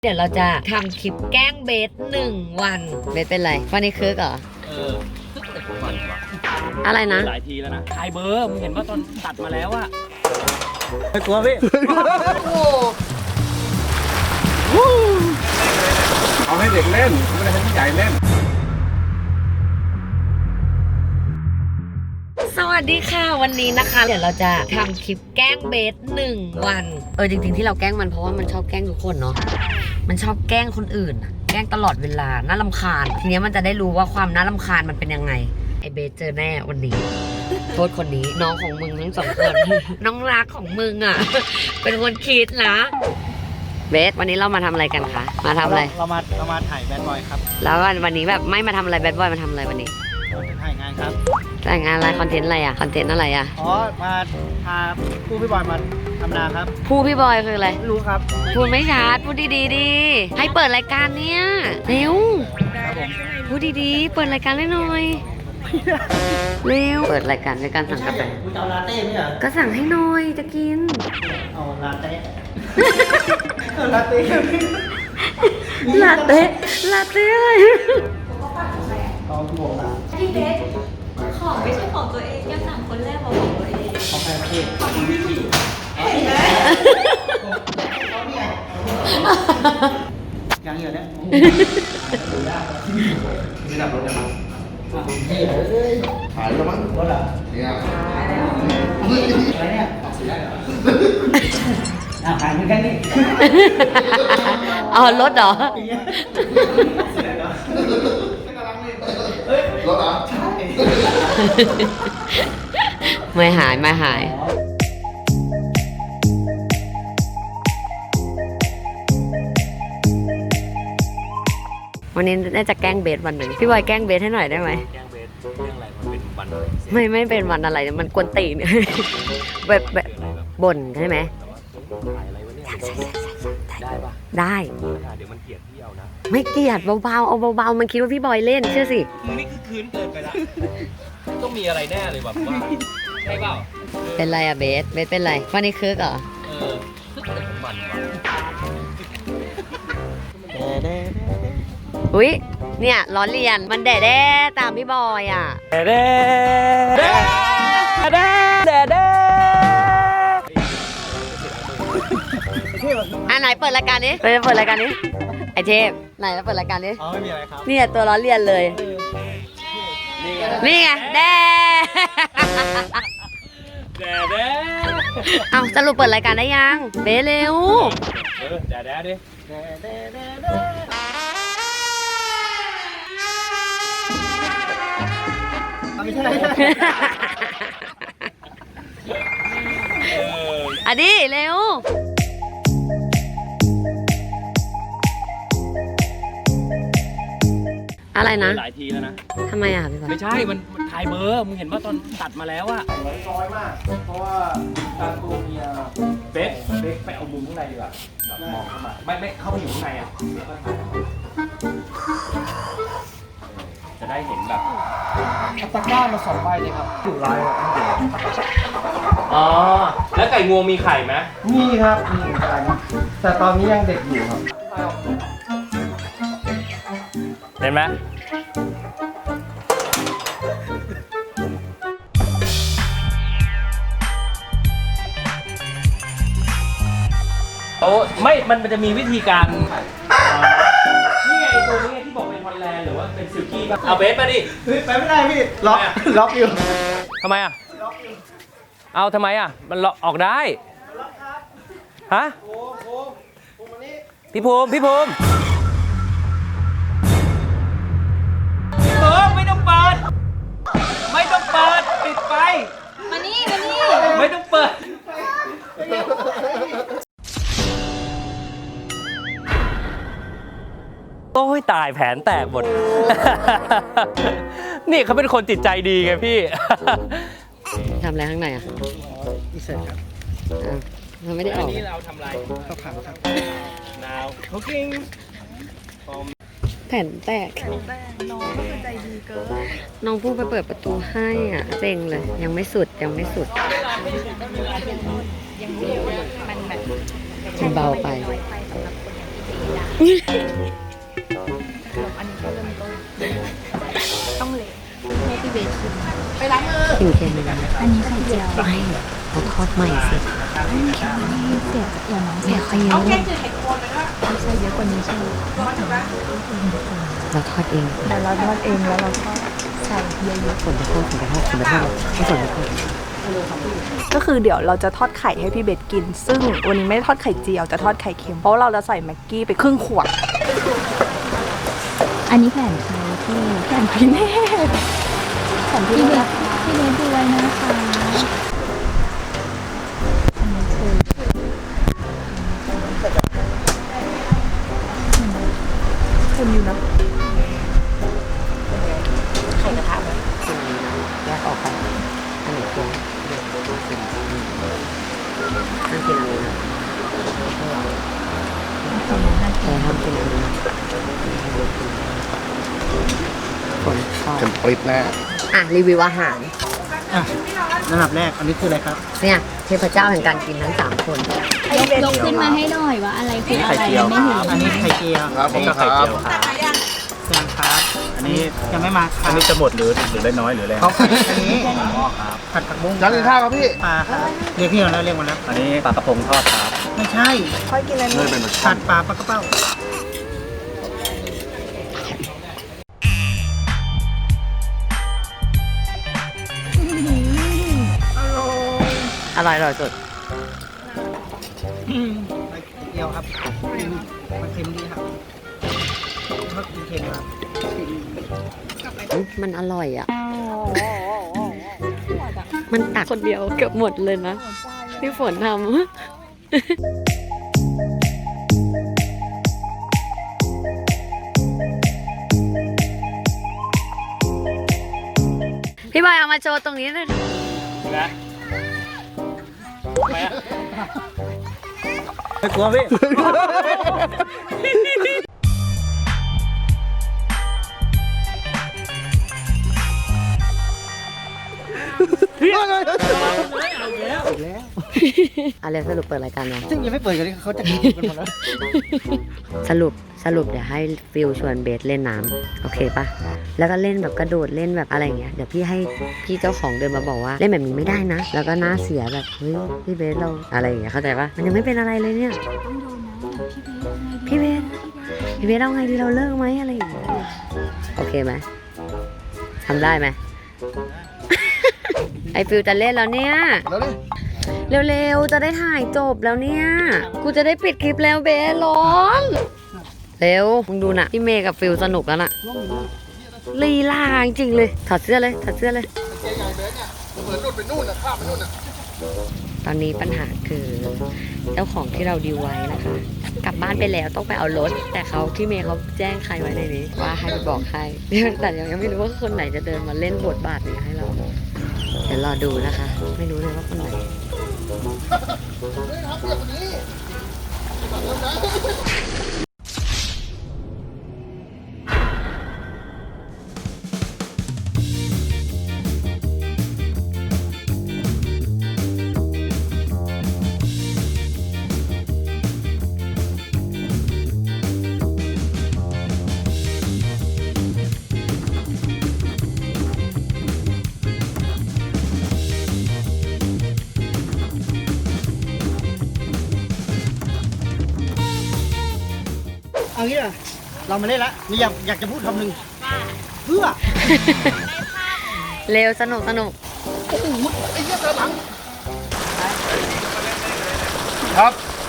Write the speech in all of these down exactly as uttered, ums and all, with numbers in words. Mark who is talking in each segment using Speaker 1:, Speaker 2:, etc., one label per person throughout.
Speaker 1: เดี๋ยวเราจะทำคลิปแกล้งเบสหนึ่งวันเบสเป็นไรวันนี้คึกเหรอ
Speaker 2: เออแต่ผมมันว่ะ
Speaker 1: อะไรนะ
Speaker 2: หลายทีแล้วนะถ่ายเบอร์มึงเห็นว่าตอนตัดมาแล้วอะไม่กลัวพี่
Speaker 3: เอาให้เด็กเล่นไม่ได้ให้ผู้ใหญ่เล่น
Speaker 1: สวัสดีค่ะวันนี้นะคะเดี๋ยวเราจะทำคลิปแกล้งเบสหนึ่งวันเออจริงๆที่เราแกล้งมันเพราะว่ามันชอบแกล้งทุกคนเนาะมันชอบแกล้งคนอื่นแกล้งตลอดเวลาน่ารำคาญทีนี้มันจะได้รู้ว่าความน่ารำคาญมันเป็นยังไงไอเบสเจอแน่วันนี้โทษคนนี้น้องของมึงทั้งสองคนน้องรักของมึงอ่ะเป็นคนคิดนะเบสวันนี้เรามาทำอะไรกันคะมาทำอะไร
Speaker 2: เรามาเรามาถ่ายแบดบอยครับ
Speaker 1: แล้ววันนี้แบบไม่มาทำอะไรแบดบอยมาทำอะไรวันนี้
Speaker 2: ถ่ายงานครับ
Speaker 1: ถ่ายงานอะไรคอนเทนต์อะไรอะคอนเทนต์อะไรอะ
Speaker 2: อ๋อมาพาผู้พี่บอยมาทำนาครับ
Speaker 1: ผู้พี่บอยคืออะไร
Speaker 2: รู้ครับ
Speaker 1: พูดไม่ชัดพูดดีๆดีให้เปิดรายการเนี่ยเร็วพูดดีๆเปิดรายการให้หน่อยเร็วเปิดรายการในการสั่งกาแฟ
Speaker 2: คุณเอาลาเต้ไหมอ่ะ
Speaker 1: ก็สั่งให้หน่อยจะกิน
Speaker 2: เอาลาเต้ลาเต้
Speaker 1: ลาเต้ลาเต้อะไร
Speaker 2: ต้องบวกนะ
Speaker 4: พี่เบสของไม่ใช่ของตัวเองยังสั่งคนแรกมาของตัวเอง
Speaker 2: ของใครพี่ของพี่พี่ยังอยู่เนี่ย
Speaker 3: นี่ดับรถได้ไหมขายแล้วมั้งรถอ่ะเนี่ย
Speaker 2: อะไรเนี่ยอ่ะขายเหมือนกันนี่
Speaker 1: อ๋อรถเหรอ
Speaker 3: รถอ่ะ
Speaker 1: ไม่หายไม่หายวันนี้น่าจะแกล้งเบสวันหนึ่งพี่บอยแกล้งเบสให้หน่อยได้ไหม
Speaker 2: แกล้งเบสเรื่องอะไรมันเป็นวัน
Speaker 1: ไม่ไม่เป็นวันอะไรมันกวนตีนแบบแบบบ่นใช่ไหม
Speaker 2: ได้ปะ
Speaker 1: ได้
Speaker 2: เดี๋ยวมันเกลียดพี่เอานะ
Speaker 1: ไม่เกลียดเบาๆเอาเบาๆมันคิดว่าพี่บอยเล่นเชื่อสิ
Speaker 2: มึงนี่คือคืนเกินไปละต้องมีอะไรแน่เลยแบบว่าใช่เปล่า
Speaker 1: เป็นไรอะเบสเบสเป็นไรวันนี้คึกเหรอ
Speaker 2: เออแต่ผมมันว่ะ
Speaker 1: อุ้ยเนี่ยล้อเลียนมันแด่แด่ตามพี่บอยอ่ะ
Speaker 2: แด่แด่แด่แด่แด่แด่
Speaker 1: อ่ะไหนเปิดรายการนี้เปิดเปิดรายการนี้ไอเทพไหนแล้วเปิดรายการนี้
Speaker 2: อ๋อไม่มีอะไรครับ
Speaker 1: นี่ตัวล้อเลียนเลยนี่ไงแด่
Speaker 2: แด่แด่
Speaker 1: เอาสรุปเปิดรายการได้ยังเบสเร็ว
Speaker 2: เออแด่แด่ดิแด่แด่แด่แด่ไม่ใช่
Speaker 1: อ่ะดิเร็วอะไรนะ
Speaker 2: หลายทีแล้วนะ
Speaker 1: ทำไมอ่ะพี่บอย
Speaker 2: ไม่ใช่มันถ่ายเบอร์มึงเห็นว่าตอนตัดมาแล้วอะ
Speaker 3: น้อยมากเพราะว่าการตัวเมีย
Speaker 2: เบสเบสไปเอามุมข้างในดีกว่าแบบมองเข้ามาไม่ไม่เข้าไปอยู่ข้างในอะจะได้เห็นแบบ
Speaker 3: ตะกร้ามาสองใบเลยครับอยู่ลายแบบนี้
Speaker 2: อ๋อแล้วไก่งวงมีไข่ไหม
Speaker 3: มีครับมีไก่แต่ตอนนี้ยังเด็กอยู่ครับ
Speaker 2: เห็นไหมโอ้ไม่มันจะมีวิธีการนี่ไงตัวนี้ที่บอกเป็นฮอลแลนด์หรือว่าเป็นซิลกี้ป่ะเอาเบสมาดิ
Speaker 3: ไปไม่ได้พี่ล็อกล็อกอยู่
Speaker 2: ทำไมอ่ะเอาทำไมอ่ะมันล็อกออกได้ฮะพี่ภูมิพี่ภูมิเออไม่ต้องเปิดไม่ต้องเปิดปิดไฟ
Speaker 4: มานี่มานี่
Speaker 2: ไม่ต้องเปิดโอ้ยตายแผนแตกหมดนี่เขาเป็นคนจิตใจดีไงพี่
Speaker 1: ทำอะไรข้างในอ่ะ
Speaker 3: อีเสร็จครับ
Speaker 1: เราไม่ได้ออก
Speaker 2: อันนี้เราทำอะไร
Speaker 3: ข้าวผัดครับ
Speaker 2: now cooking
Speaker 1: แผ่นแตก
Speaker 4: น้องก็คือใจดีเกิน
Speaker 1: น้องพูดไปเปิดประตูให้อ่ะเซ็งเลยยังไม่สุดยังไม่สุด
Speaker 4: ยังรู้ว่ามันแบบ
Speaker 1: มันเบาไป
Speaker 4: สำหรับคนอย่างที่ได้อันนี้ก็เริ่มต้นต้องเละให้พี่เบสชิม
Speaker 1: กินเค็มเลยนะ
Speaker 4: อันนี้ไข่เจียว
Speaker 1: ไม่เขาทอดใหม่สิ
Speaker 4: เสียเดี๋ยวน้องเสียเขาเยอะไม่ใช่เยอะกว่านี้ใช่ไหม
Speaker 1: เราทอดเอง
Speaker 4: แต่เราทอดเองแล้วเราก็ใส่เยอะ
Speaker 1: ฝนจะทอดฝนจะทอดฝนจะทอดไม่ฝนจะทอด
Speaker 5: ก็คือเดี๋ยวเราจะทอดไข่ให้พี่เบสกิน ซึ่งวันนี้ไม่ได้ทอดไข่เจียวจะทอดไข่เค็มเพราะเราจะใส่แม็กกี้ไปครึ่งขวด
Speaker 4: ๆอันนี้แผ่นใครที่
Speaker 5: แผ่นพี่เนตแผ่นพี่
Speaker 4: พี่
Speaker 5: เน
Speaker 4: เบ
Speaker 5: ต
Speaker 4: สพี่เบสดูไว้นะคะอันนี้คือ
Speaker 5: เค็มอยู่นะ
Speaker 1: ไข่กระทะไหมกินอันนี้นะแยกออกไปอันไหนเค็มห้ามกินอันนี้นะแต่ห้ามกินอันนี้นะฝนชอบ
Speaker 3: เต็มปริ๊ดแน่
Speaker 1: อ่ะรีวิวอาหาร
Speaker 6: ระดับแรกอันนี้คืออะไรครับ
Speaker 1: เนี่ยเทพเจ้าแห่งการกินทั้งสามคน
Speaker 4: ยกยกขึ้นมาให้หน่อยว่าอะไรคืออะไรไม่เห็น
Speaker 6: อันนี้ไข่เจียว
Speaker 3: ครับผม
Speaker 6: ก็
Speaker 3: ค
Speaker 6: ไข่
Speaker 3: รับ
Speaker 6: เจียวครับแซงครับ อันนี้ยังไม่มาครับ
Speaker 2: อันนี้จะหมดหรือหรือได้น้อยหรืออะไร
Speaker 6: เขาผัดอันนี้
Speaker 2: อ๋อครับ
Speaker 6: ผัดผักบุ้ง
Speaker 3: จานกินข้าวครับพี่
Speaker 6: ปลาครับเรียกพี่มาแล้วเรียกมาแล้ว
Speaker 2: อันนี้ปลากระพงทอดครับ
Speaker 6: ไม่ใช่
Speaker 5: ค่อยกินอะไร
Speaker 3: เนยเป็นแบบ
Speaker 6: ผัดปลาปลากระเป้า
Speaker 1: อร่อยอร่อยสุด
Speaker 6: ไข่เจียวครับมันเค็มดีครับชอบกินเค็มครับ
Speaker 1: มันอร่อยอ่ะ มันตักคนเดียวเกือบหมดเลยนะพี่ฝนทำพี่บอยเอามาโชว์ตรงนี้เลย
Speaker 2: นะไปอ่ะไม่กลัวพี่
Speaker 1: อะไรสรุปเปิดรายการยัง
Speaker 6: ซึ่งยังไม่เปิดกันเลยเขาจะกินกันหมดแล้ว
Speaker 1: สรุปสรุปเดี๋ยวให้ฟิลชวนเบสเล่นน้ำโอเคปะแล้วก็เล่นแบบกระโดดเล่นแบบอะไรอย่างเงี้ยเดี๋ยวพี่ให้พี่เจ้าของเดินมาบอกว่าเล่นแบบนี้ไม่ได้นะ แล้วก็หน้าเสียแบบเฮ้ยพี่เบสเราอะไรอย่างเงี้ยเข้าใจปะมันยังไม่เป็นอะไรเลยเนี่ยพี่เบสพี่เบสเอาไงดีเราเลิกไหมอะไรอย่างเงี้ยโอเคไหมทำได้ไหม ไอฟิลจะเล่นแล้วเนี่ย
Speaker 3: แล้วนี่
Speaker 1: เร็วๆ จะได้ถ่ายจบแล้วเนี่ย กูจะได้ปิดคลิปแล้วเบสร้อน เร็ว มึงดูน่ะ พี่เมย์กับฟิลสนุกแล้วน่ะลีลาจริงๆเลย ถอดเสื้อเลย ถอดเสื้อเลย
Speaker 3: เจ๊ใหญ่เบสเนี่ยเหมือนนู่นไปนู่นนะข้ามไปนู่นนะ
Speaker 1: ตอนนี้ปัญหาคือเจ้าของที่เราดีลไว้นะคะ กลับบ้านไปแล้วต้องไปเอารถ แต่เขาที่เมย์เขาแจ้งใครไว้ในนี้ ว่าให้ไปบอกใคร แต่ยังไม่รู้ว่าคนไหนจะเดินมาเล่นบทบาทนี้ให้เรา เดี๋ยวรอดูนะคะ ไม่รู้เลยว่าคนไหน
Speaker 6: เอางี้เหรอเรามาเล่นละมีอยากอยากจะพูดคำหนึ่งเพื่อ
Speaker 1: เร็วสนุกสนุก
Speaker 3: ไอ้เหี้ยเจอหลังครับ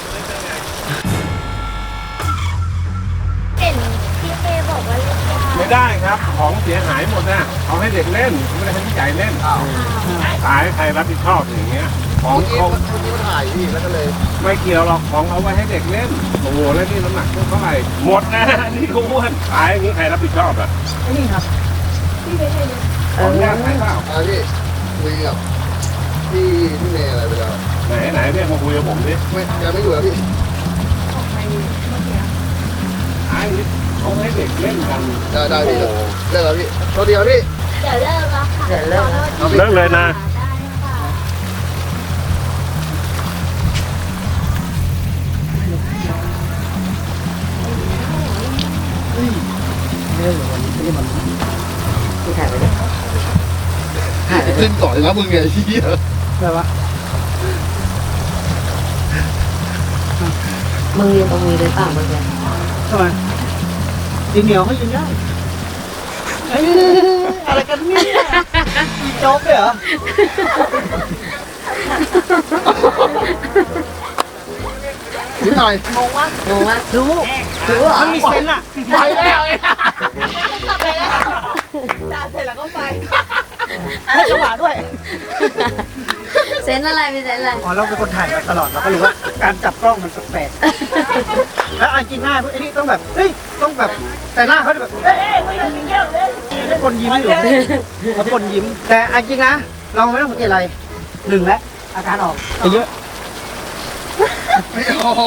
Speaker 4: เห็นพี่เมย์บอกว่าเล่นได้
Speaker 7: ไม่ได้ครับ ของเสียหายหมดนะเอาให้เด็กเล่นไม่ได้ให้ผู้ใหญ่เล่นตายใครรับผิดชอบอย่างเงี้ย ของ
Speaker 3: เมื่อกี้
Speaker 7: เขา
Speaker 3: เมื่อกี้มันถ่ายพี่แล้วก็เลย ไม่
Speaker 7: ไม่เกี่ยวหรอกของเอาไว้ให้เด็กเล่นโอ้โหแล้วนี่น้ำหนักเท่าไหร่หมดนะนี่ก็อ้วนตายอย่างนี้ใครรับผิดชอบอ่ะ
Speaker 6: นี่ครับ
Speaker 7: ของยากใครเปล่า
Speaker 3: อ่าพี่คุยกับพี่พี่เมย์อะไรไปแล้ว
Speaker 7: ไหนไหนเรียกมาคุยกับผมดิ
Speaker 3: ไม่แกไม่อยู่แล้วพี่
Speaker 7: ตายอย่างนี้เขาให้เด็กเล่นกัน
Speaker 3: ได้ได้พี่
Speaker 7: โอ้โห
Speaker 3: เลิกแล้วพี่โทษเดียวพี่
Speaker 4: เดี๋ยวเลิกแล้วค่ะ
Speaker 1: เดี๋ยวเลิกแล้ว
Speaker 4: ขอโทษที
Speaker 7: เลิกเลยนะ
Speaker 4: ได้ค่ะ
Speaker 1: เ
Speaker 6: ไม่ได้เหรอวันนี้ไม่ได้มา
Speaker 1: ที่ถ่ายไปดิถ่ายไปดิ
Speaker 3: ขึ้นก่อนแล้วมึงไงไอ้เหี้ย
Speaker 6: อะไรวะ
Speaker 1: มึงยืนตรงนี้เลยเปล่าเมื่อกี้
Speaker 6: ทำไมดินเหนียวเขายืนได้เอ้ยอะไรกันเนี่ยมีโจ๊กด้วยเหรอ
Speaker 3: นิดหน่อย
Speaker 1: งงวะงงวะ
Speaker 6: รู้
Speaker 1: รู้เหรอ
Speaker 6: มันมีเซนส์อะ
Speaker 3: ไปแล้วไอ้
Speaker 5: ด่าเสร็จแล้วก็ไป
Speaker 6: ให้จังหวะด้วย
Speaker 1: เซนอะไรมีเซนอะไร
Speaker 6: อ๋อเราเป็นคนถ่ายมาตลอดเราก็รู้ว่าการจับกล้องมันแปลกๆแล้วอันจริงหน้าพวกไอ้นี่ต้องแบบเฮ้ยต้องแบบแต่หน้าเขาจะแบบเอ้ยเอ้ยไม่ต้องมีเงี้ยเลยให้คนยิ้มอยู่เขาคนยิ้มแต่อันจริงนะเราไม่ต้องสังเกตอะไรหนึ่งแล้วอาการออกไปเยอะ
Speaker 3: ไม่ออก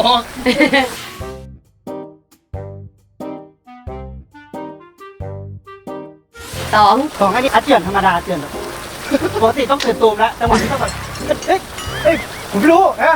Speaker 1: สอง
Speaker 6: ของอันนี้อัดเจือนธรรมดาเจือนแบบปกติต้องเตือนตูมแล้วจังหวะนี้ต้องแบบเฮ้ยเฮ้ยผมไม่รู้นะ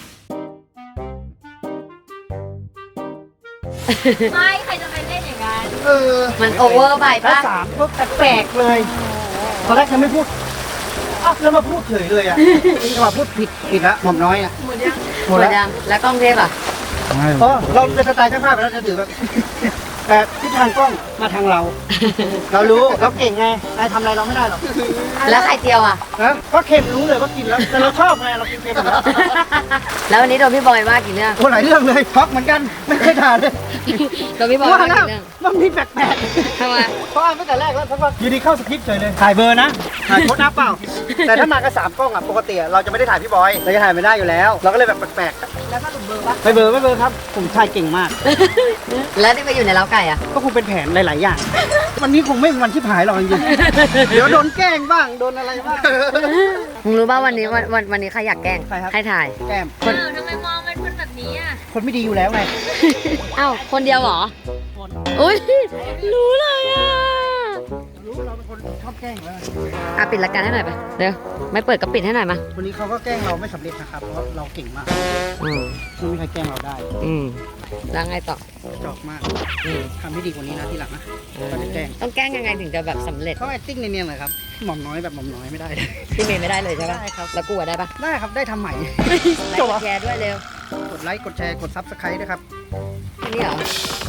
Speaker 4: ไม่ใครจะไปเล่นอย่างนั้น
Speaker 3: เออ
Speaker 1: มันโอเวอร์ไป
Speaker 6: แล้ว
Speaker 1: ปะ
Speaker 6: สามก็แปลกๆเลยตอนแรกฉันไม่พูดอ้าวแล้วมาพูดเฉยเลยอ่ะจังหวะพูดผิดผิดละหม่อมน้อยอ่ะ
Speaker 1: หมด
Speaker 6: หมดแล้ว
Speaker 1: ยังแล้วกล้องเทพอ่ะ
Speaker 6: เพราะเราเป็นสไตล์ช่างภาพไปแล้วจะถือแบบแต่ทิศทางกล้องมาทางเรา เรารู้เราเก่งไงนายทำอะไรเราไม่ได้หรอก
Speaker 1: แล้วไข่เจียวอ่ะ
Speaker 6: นะก็เค็มรู้เลยว่ากินแล้วแต่เราชอบไงเรากินเค็มอยู่แล้ว
Speaker 1: แล้ววันนี้โดนพี่บอยว่ากี่เรื่อง
Speaker 6: โอ้หลายเรื่องเลยช็อกเหมือนกันไม่เคยทานเลย
Speaker 1: โดนพี่บอย
Speaker 6: ว่า
Speaker 1: ว่า
Speaker 6: แล้ว
Speaker 1: กี่เรื่อง
Speaker 6: มันมีแปลก
Speaker 1: ทำไม
Speaker 6: ๆเพราะอ่านตั้งแต่แรกแล้วเพราะว่าอยู่ดีเข้าสคริปต์เฉยเลยถ่ายเบอร์นะถ่ายโค้ดนับเปล่า แต่ถ้ามากับสามกล้องอ่ะปกติอะเราจะไม่ได้ถ่ายพี่บอยเราจะถ่ายไม่ได้อยู่แล้ว เราก็เลยแบบแปลกๆแล้วก็หลุดเบอร์ปะไม่เบอร์ไม่เบอร์ครับผมถ่ายเก่งมาก
Speaker 1: แล้วที่ไปอยู่ในเล้าไก่อ่ะ
Speaker 6: ก็คงเป็นแผนหลายๆอย่าง วันนี้คงไม่เป็นวันที่ผายหรอกจริงๆ เดี๋ยวโดนแกล้งบ้าง โดนอะไรบ้าง
Speaker 1: มึงรู้ป่ะวันนี้วันวันวันนี้ใครอยากแกล้ง
Speaker 6: ใครครับ
Speaker 1: ใครถ่าย
Speaker 6: แกล้ม
Speaker 1: คน
Speaker 4: อ้าวทำไมมองเป็นคนแบบนี้อ่ะ
Speaker 6: คนไม่ดีอยู่แล้วไง
Speaker 1: อ้าวคนเดียวเหรออุ้ยรู้เลยอ่ะ
Speaker 6: รู้เราเป็นคนชอบแกล้งแล้ว
Speaker 1: อ่ะปิดรายการให้หน่อยไปเดี๋ยวไม่เปิดก็ปิดให้หน่อยมา
Speaker 6: วันนี้เขาก็แกล้งเราไม่สำเร็จนะครับ เพราะเราเก่งมาก
Speaker 1: อืม
Speaker 6: ไม่มีใครแกล้งเราได้
Speaker 1: อืมแล้วไงต่อ
Speaker 6: จอกมาก
Speaker 1: อืม
Speaker 6: ทำให้ดีกว่านี้นะทีหลังนะก็จะแกล้ง
Speaker 1: ต้องแกล้งยังไงถึงจะแบบสำเร็จ
Speaker 6: เขา acting เนียนๆเลยครับ หม่อมน้อยแบบหม่อมน้อยไม่ได้เลย
Speaker 1: พี่เมย์ไม่ได้เลยใช่ปะ
Speaker 6: ได้ครับ
Speaker 1: แล้วกูอะได้ปะ
Speaker 6: ได้ครับ ได้ทำใหม่
Speaker 1: ไลค์กดแชร์ด้วยเร็ว
Speaker 6: กดไลค์ กดแชร์ กดซับสไครต์ด้วยครับ
Speaker 1: แค่นี้เหรอ